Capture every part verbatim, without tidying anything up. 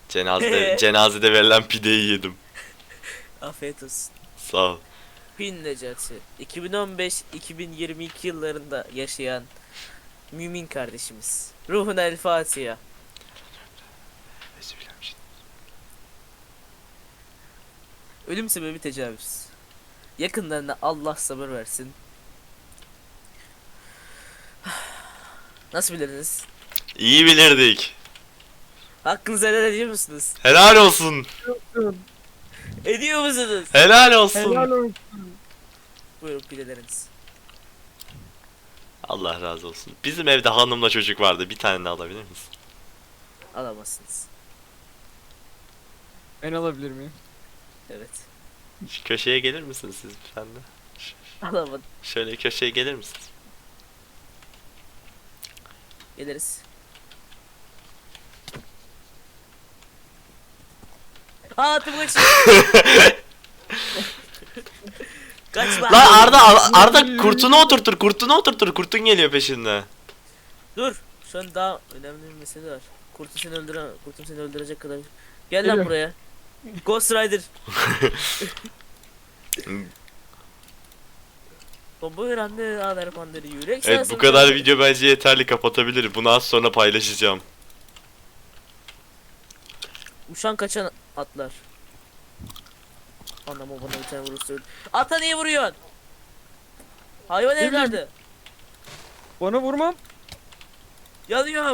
Cenazede, cenazede verilen pideyi yedim. Afiyet olsun. Sağ ol. Pin Necati. iki bin on beş iki bin yirmi iki yıllarında yaşayan mümin kardeşimiz. Ruhuna el Fatiha. Ölüm sebebi tecavüz. Yakınlarına Allah sabır versin. Nasıl bilirdiniz? İyi bilirdik. Hakkınızı helal ediyor musunuz? Helal olsun. Ediyor musunuz? Helal olsun. Helal olsun. Buyurun pideleriniz. Allah razı olsun. Bizim evde hanımla çocuk vardı. Bir tane de alabilir misin? Alamazsınız. Ben alabilir miyim? Evet. Şu köşeye gelir misiniz siz efendi? Alamadım. Şöyle köşeye gelir misiniz? Geliriz. Aa atım kaçıyor. Kaçma. Lan Arda Ar- Arda kurtunu oturtur kurtunu oturtur kurtun geliyor peşinden. Dur. Şu an daha önemli bir mesele var. Kurtun seni öldüren, kurtun seni öldürecek kadar. Gel lan Geliyor. buraya. Ghost Rider. O buyur anne ağlar panderi yürek. Evet bu sensin kadar be. video bence yeterli, kapatabilirim. Bunu az sonra paylaşacağım. Uçan kaçan atlar. Anam o bana bir tane vurursa öl- Ata niye vuruyorsun? Hayvan Ne bileyim. evladı. Bana vurmam. Yanıyorum.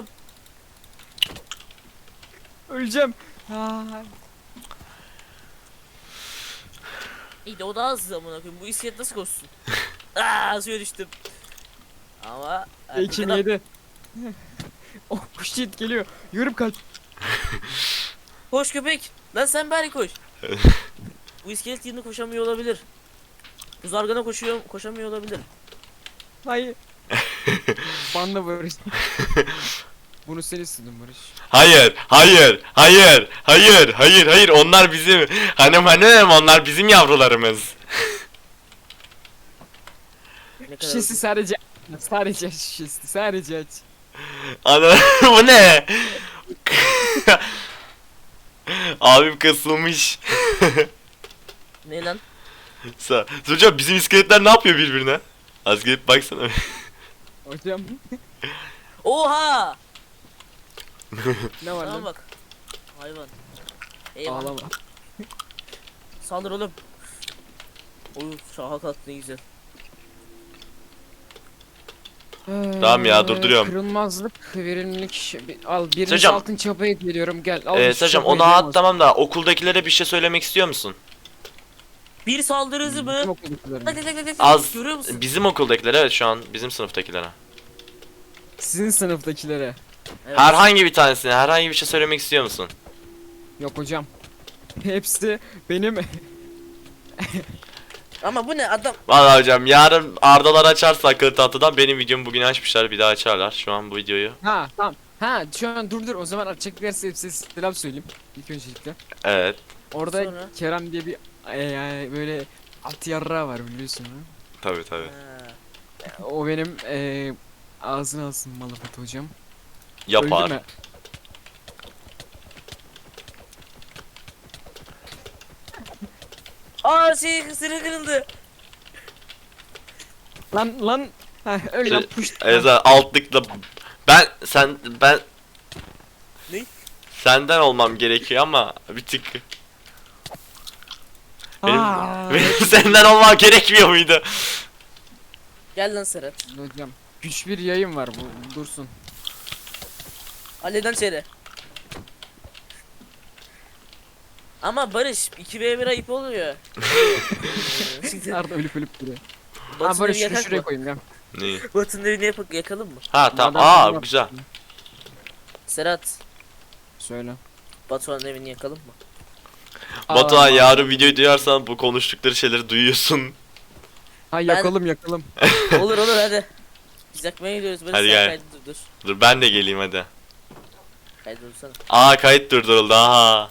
Öleceğim. Aa, İyi de o daha hızlı amına koyayım. Bu iskelet nasıl koşsun? Aaa suya düştüm. Ama Ekin yedi. Oh shit geliyor. Yürüm kalp. Koş köpek. Lan sen bari koş. Bu iskelet yerine koşamıyor olabilir. Bu zargana koşuyor, koşamıyor olabilir. Hayır. Bana Barış. Bunu sen istedin Barış. Hayır, hayır, hayır, hayır, hayır, hayır. Onlar bizim hanım hanım, onlar bizim yavrularımız. Ne kadar Şişesi uzun. sadece sadece şişesi sadece aç. Ana bu ne? Abim kasılmış. Ne lan? Sa Hocam bizim iskeletler ne yapıyor birbirine? Az gelip baksana. Hocam Oha! ne var Tamam lan? bak. Hayvan. Eyvah. Ağlama. Saldır oğlum. Oy şaha kalktı ne güzel. Tamam ya, durduruyorum. Kırılmazlık, verimlilik. Bir- Al biriniz Hocam. altın çapayı veriyorum gel. Al Evet şu hocam çapayı onu at veriyorum. tamam da okuldakilere bir şey söylemek istiyor musun? Bir saldırı hızı mı? Bizim okuldakilerin. Tak tak tak tak tak. Az Görüyor musun? bizim okuldakiler, evet, şu an bizim sınıftakilere. Sizin sınıftakilere. Evet. Herhangi bir tanesine herhangi bir şey söylemek istiyor musun? Yok hocam. Hepsi benim. Ama bu ne adam? Vallahi hocam yarın Ardalar açarsa akıllı tahtadan, benim videomu bugün açmışlar, bir daha açarlar şu an bu videoyu. Ha tamam. Ha şu an dur dur o zaman açacaklarsa hepsi selam söyleyeyim. İlk öncelikle. Evet Orada Sonra? Kerem diye bir e, yani böyle at yarrağı var biliyorsun ha. tabi tabi. Ha. O benim e, ağzını alsın Malafat hocam. Yapar. Öldü mü? Aa şey sırrı kırıldı. Lan lan. Ha öyle Şey, lan push. Evet altlıkla ben sen ben Ne? senden olmam gerekiyor ama bir tık benim, Aa, benim senden olmam gerekmiyor muydu? Gel lan Serhat. hocam güç bir yayın var bu dursun. Halleden içeri. Ama Barış iki ve bir ayıp oluyor. Nerede ölüp ölüp duruyor. Ha Batın böyle evi şunu yakak şuraya mı? koyayım ya. Ne? Batın evini yapak yakalım mı? Ha tamam, Madem aa bunlar- güzel. Serhat, Söyle. Batuhan'ın evini yakalım mı? Batuhan Aa, yarın videoyu duyarsan bu konuştukları şeyleri duyuyorsun. Ha yakalım yakalım. Olur olur hadi. Biz yakmaya gidiyoruz. Barış Hadi sen gel. kaydı dur. dur. Dur ben de geleyim hadi. Kaydı dursana. Aa kayıt durduruldu, aha.